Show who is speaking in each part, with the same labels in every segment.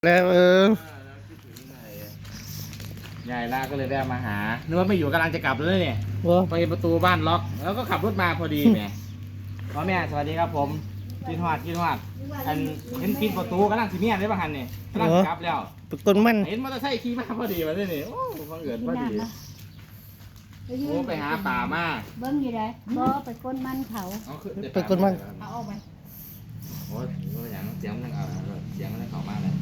Speaker 1: แล้ว
Speaker 2: ยายล่าก็เลยแวะมาหานึกว่าไม่อยู่กำลังจะกลับเลยเนี่ยไปประตูบ้านล็อกแล้วก็ขับรถมาพอดีแม่พ่อแม่สวัสดีครับผมกินหอดอันเห็นปิดประตูกำลังสีเมียนได้ป่ะฮันเนี่ยกำลังกลับแล้ว
Speaker 1: ต้นมัน
Speaker 2: เห็นมอเตอร์ไซค์ขี่มาพอดีมาด้วยนี่โอ้ฟังเอิญพอดีโอ้ไปหาป่ามา
Speaker 3: เบิ้งอยู่ไหนบ่ไปก้นมันเขา
Speaker 1: ไปก้นมัน
Speaker 3: เอาออกไป
Speaker 2: โอ้ยอย่างเสียงมันเสียงมันเข้ามาเลย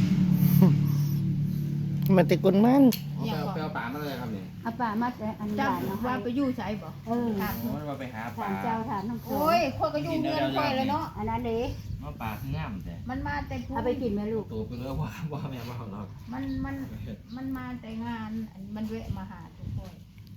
Speaker 1: มันติดก้นมัน
Speaker 2: ไปเอาป่ามาเลยครับเนี่ย
Speaker 3: เอาป่ามาแต่อันบ้านเนาะ
Speaker 4: ว่าไปอยู่ใช่บ่
Speaker 2: โอ้ยว่าไปหาป่า
Speaker 3: เจ้าฐานน้อง
Speaker 4: โอ้ยคนก็อยู่เงินคอยเลยเนาะ
Speaker 3: อันนั้นเด้
Speaker 2: ว่าป่าคืองามแต่
Speaker 4: มันมาแต่
Speaker 3: เอาไปกินไหมลูก
Speaker 2: ตัวไปเลยว่าแม่ว่าเรา
Speaker 4: มันมาแต่งานมันแวะมาหาทุกคน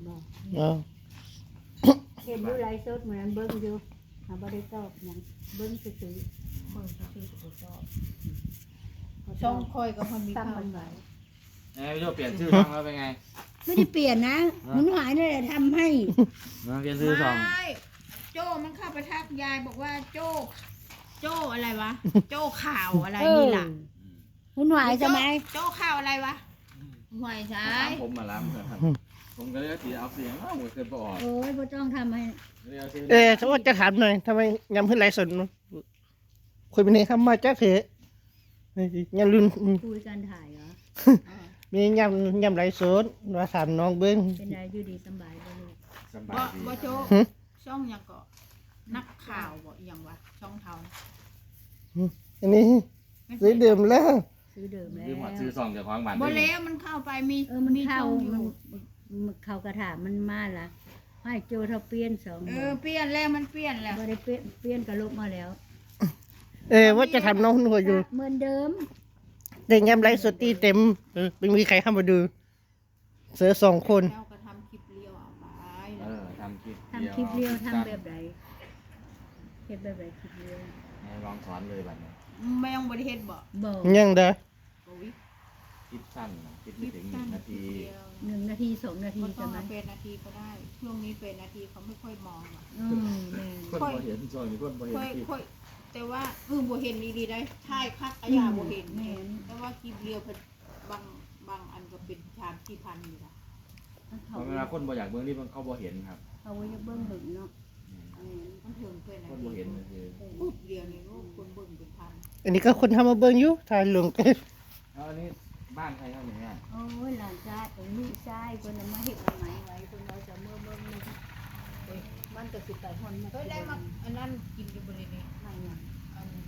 Speaker 3: เห็นอยู่ไลฟ์สดเหมือนเบิ้งอยู่หาบ่ได้ตอบหยังเบิ้งซื่อๆ
Speaker 4: คนชื่อตัวชอบช่องคอยกับคนมีข้าว
Speaker 3: มันไหว
Speaker 2: พี่โจเปลี่ยนชื่อช่องแล้วเป็นไง
Speaker 3: ไม่ได้เปลี่ยนนะมันหายนี่แหละทำให้
Speaker 2: เปลี่ยนชื่อช่อง
Speaker 4: โจ้มันเข้าไปทักยายบอกว่าโจ้อะไรวะโจ้ข่าวอะไรนี่ล่ะ
Speaker 3: หุ่นหวายใช่ไหม
Speaker 4: โจ้ข่าวอะไรวะหวยใช่
Speaker 2: ผมมาล้ำครับผมก็เลยตีเอาเสียงว่าผมเคยบอก
Speaker 3: โอ้ยพ่อจ้องทำให้
Speaker 1: ถ้าว่าจะถามหน่อยทำไมยำขึ้นไรสนคุยไปไหนครับมาจ้าเถอะยำรุ่น
Speaker 3: คุยกันถ่ายเหรอ
Speaker 1: มียำไรสนว่าถามน้องเบิ้ง
Speaker 3: เป็นไรอยู่ดีสบายบ่ลูก
Speaker 2: สบาย
Speaker 4: บ่โจ้ช่องยังก็นักข่าวบ่ยังวะช่องเทา
Speaker 1: อันนี้ซื้อเดิมแล้ว
Speaker 3: ซื้อเดิมแล้ว
Speaker 2: ซื้อซองจากของบ้าน
Speaker 4: บ่แล้วมันเข้าไป
Speaker 3: มันเข้าเขากระถามันมาละให้โจเท่าเปลี่ยนสอง
Speaker 4: เปลี่ยนแล้วมันเปลี่ยนแล้ว
Speaker 3: บ่ได้เปลี่ยนกระลบมาแล้ว
Speaker 1: ว่าจะทำน้องหัวอยู่
Speaker 3: เหมือนเดิม
Speaker 1: แต่ยำไรสดตีเต็มไม่มีใครเข้ามาดูเสือ2 คน
Speaker 4: เราก็ทำคลิปเลี้ยวเอาไป
Speaker 2: ทำคลิป
Speaker 3: เลี้ยวทำแบบไหนเฮ็ดแบบไหนคลิปเลี้ยว
Speaker 2: ลองสอนเลยบัดนี้
Speaker 4: ไม่ต้องบริเฮ็ดบ่
Speaker 1: ยังเด้อ
Speaker 2: คลิปสั้นคลิปไม่ถึง1 นาที
Speaker 3: 1 นาที 2 นาที
Speaker 4: ใช่ไหมเป็นนาทีก็ได้ช่วงนี้เป็นนาทีเขาไม่ค่อยมองอ่ะ
Speaker 2: คนบ่เห็นซอยนี่คนบ่เห็น
Speaker 4: แต่ว่าบ่เห็นดีๆได้ใช่คักอาญาบ่เห็นแต่ว่าคลิปเลี้ยวบางอันก็เป็นชามที่พันอยู่ล่ะ
Speaker 2: เวลาคนบ่อยากเบิ่งนี่เขาบ่เห็นครับ
Speaker 3: เขาอยากเบิ่งหึงเนาะ
Speaker 4: มันถึงเป็น
Speaker 2: คนบ่เห็นคือ
Speaker 4: ปุ๊บเดียวนี่คนเบิ่งเป็นพัน
Speaker 1: อันนี้ก็คนทำมาเบิ่งอยู่ถ่ายลง
Speaker 2: อันนี้บ้านใครครับเนี่ย
Speaker 3: โอ้ยหลานชายลูกชายคนนั้นมาเฮ็ดใหม่ไว้คนเราจะเมื่อเบิ่งมันก็สิไปฮอนมา
Speaker 4: ได้มาอันนั้นกินอยู่บริเวณนี้
Speaker 3: ไม่หยัง
Speaker 4: อัน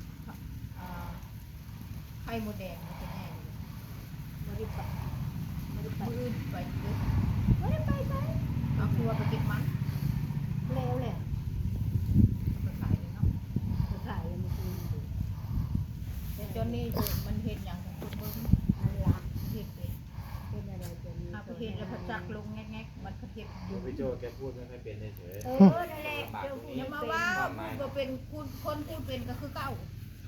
Speaker 4: ไข่มดแดงมันเป็นแน่
Speaker 3: บ่ได้ไป
Speaker 4: มื้อไปเลยบ่ได้ไปเอาครัวไปเก็บมัน
Speaker 3: แล้วแหละ
Speaker 4: ไปขายเลยเนาะ
Speaker 3: ไปขายแล้วมันคือ
Speaker 4: แต่จนนี้มันเฮ็ดหยังกับคนเบิ่ง
Speaker 3: อันละ
Speaker 4: เฮ็ด
Speaker 3: เป็นอะไรจนนี้
Speaker 4: เอาไปเฮ็ดแล้วพจักลงแงกๆมันก็เฮ็ดอยู่
Speaker 2: พี่โจแกพูดไม่ค่อยเป็นเฉย
Speaker 4: นั่นแหละอย่ามาว่าพูดเป็นคนพูดเป็นก็คือเก่า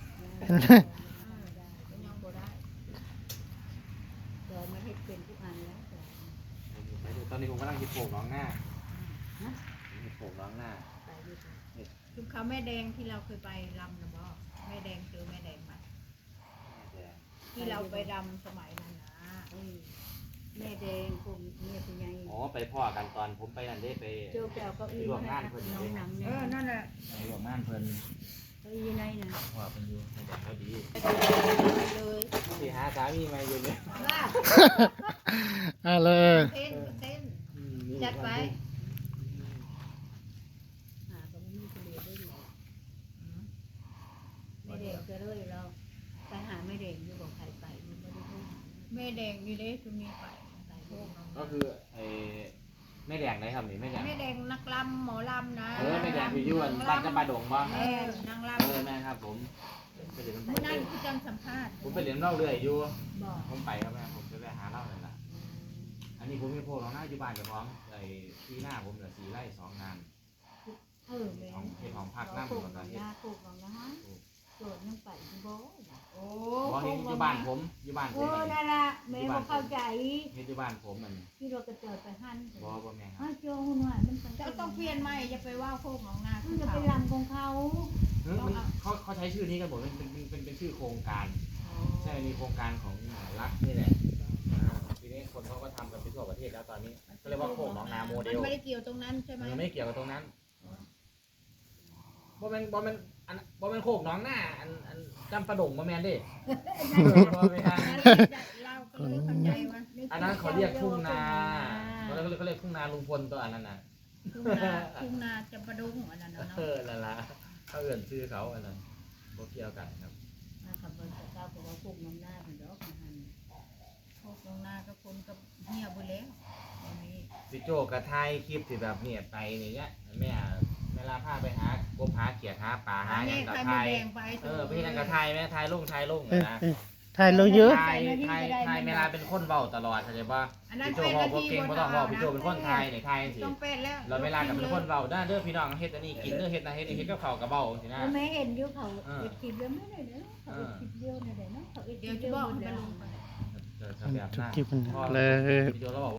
Speaker 4: ยังบ่ได้
Speaker 3: แต่ไม่เฮ็ดเป็นทุกอันแล้ว
Speaker 2: ตอนนี้ผมกำลังคิดโป่งน้องหน้าโป่งน้องหน้า
Speaker 4: คือเขาแม่แดงที่เราเคยไปรำนะบ่แม่แดงเจอแม่แดงมาที่เราไปรำสมัยนั้นนะ
Speaker 3: แม่แดงผมเนี่ยเป็นไง
Speaker 2: ไปพ่อกันตอนผมไปนั่นได้ไป
Speaker 3: เจ้าแก้วก็
Speaker 2: ร่วมงานเพิ่น
Speaker 3: น้องหนังเนี่ย
Speaker 4: นั่นแหละ
Speaker 2: ร่วมงานเพิ่น
Speaker 3: ก็ยีไหนนะ
Speaker 2: พ่อเป็นอยู่ในแบบเขาดี
Speaker 4: เลย
Speaker 2: ที่หาสามีมาอยู่เนี่ย
Speaker 1: เลย
Speaker 4: เต้นจัดไป
Speaker 3: หาก็ไม่มีทะเลได้หรอกแม่แดงจะเลยเราไปหาแม่แดงอยู่บอกใครไปมันไม่ได้พูด
Speaker 4: แม่แดงอยู่ได้คือมีไป
Speaker 2: ก็คือแม่แดงไหนครับนี่แม่
Speaker 4: แดงนักลำหมอลำนะ
Speaker 2: แม่แดงอยู่ยุ่นบ้านจะปลาดงบ้าง
Speaker 4: นางลำ
Speaker 2: แม่ครับผม
Speaker 4: มื่อนั้นที่จังสัมภาษณ์
Speaker 2: ผมไปเรียนเล่าเรื่อยอยู่ผมไปครับแม่ผมจะไปหาเล่าเลยล่ะอันนี้ผมมีโพลของหน้าอยู่บ้านกับของที่หน้าผมเหลือ4 ไร่ 2 งานของเขตของภาคหน้าผมตอนนี้
Speaker 3: ปลูกของนะโจทย์ยังไปบ่
Speaker 4: โอ้
Speaker 2: อยู่บ้านผมอยู่บ้านผม
Speaker 3: นั่นละแม่บ่เข้าใจ
Speaker 2: อยู่บ้านผมมัน
Speaker 3: ที่เราจะเจอไปหั่น
Speaker 2: บ่แม่ครับ
Speaker 3: โจหุ่นว่ามัน
Speaker 4: จะต้องเปลี่ยนใหม่จะไปว่าโคกของนา
Speaker 3: จะเป็นลำของเขา
Speaker 2: เขาใช้ชื่อนี้กันหมดเป็นชื่อโครงการใช่มีโครงการของรัฐนี่แหละทีนี้คนเขาก็ทำกันไปทั่วประเทศแล้วตอนนี้ก็เรียกว่าโคกหนองนาโมเด
Speaker 4: มัน
Speaker 2: ล
Speaker 4: ไม่ได้เกี่ยวตรงนั้นใช่ไหม
Speaker 2: มันไม่เกี่ยวกับตรงนั้นบ่แม่นโคกหนองนาอันจำปะดงบ่แม่นเด้บ่แม่น
Speaker 4: เราก็เลยเข้าใจว่า
Speaker 2: อันนั้นเขาเรียกทุ่งนาเขาเรียกทุ่งนาลุงพลตัวอันนั้นน่ะ
Speaker 4: ทุ่งนาจะประดุงอันนั้นเนาะ
Speaker 2: นั่นล่ะเขาเอื่นชื่อเขาอันนั้นบ่เกี่ยวกันครับ
Speaker 3: มาขับบนเจ้าบอกว่าพวกน้ำหน้าเป็นดอกมันหัน
Speaker 4: พวกตรงนาก็คนก็เงียบไปแล้ววันนี้
Speaker 2: สิโจกระไทยคลิปที่แบบเนี่ยไปนี่เนี้ยแม่เวลาพาไปหากบหาเขียดหาปลาหาหยังกับไทย
Speaker 4: ไป
Speaker 2: ไปที่นั่นกับไทยแม่ไทยลงนะ
Speaker 1: ถ่ายลงเยอะ
Speaker 2: ไทยเวลาเป็นคนเว้าตลอดเข้าใจป่ะ
Speaker 4: อันนั้น
Speaker 2: พี่โจ
Speaker 4: เป็น
Speaker 2: บอกว่าเก่งบ่ต้องบอกพี่โจเป็นคนไทยนี่ไทยสิ
Speaker 4: ต้องเป็นแล้ว
Speaker 2: เราเวลากับเป็นคนเว้าได้เด้อพี่น้องเฮ็ดอันนี้กินเด้อเฮ็ดนะเฮ็ดกับข้าวกับเบ้าสินะ
Speaker 3: แม่เห็นอยู่เขาเอ็ดคลิปเดียวไม่ได้เนาะเขาเอ็ดคลิปเดียวไม่ได้เนาะเขาเอ็ดค
Speaker 4: เดี๋
Speaker 3: ลิ
Speaker 4: ยว
Speaker 3: ป
Speaker 4: จะ
Speaker 3: เดียว
Speaker 4: บอก
Speaker 3: หมด
Speaker 4: ให้
Speaker 3: แล้ว
Speaker 4: มันลงไป
Speaker 2: จะแบบ
Speaker 1: จุ
Speaker 2: นั้
Speaker 1: ก
Speaker 2: น
Speaker 1: จิบมันเลย
Speaker 2: พี่โจเราบอก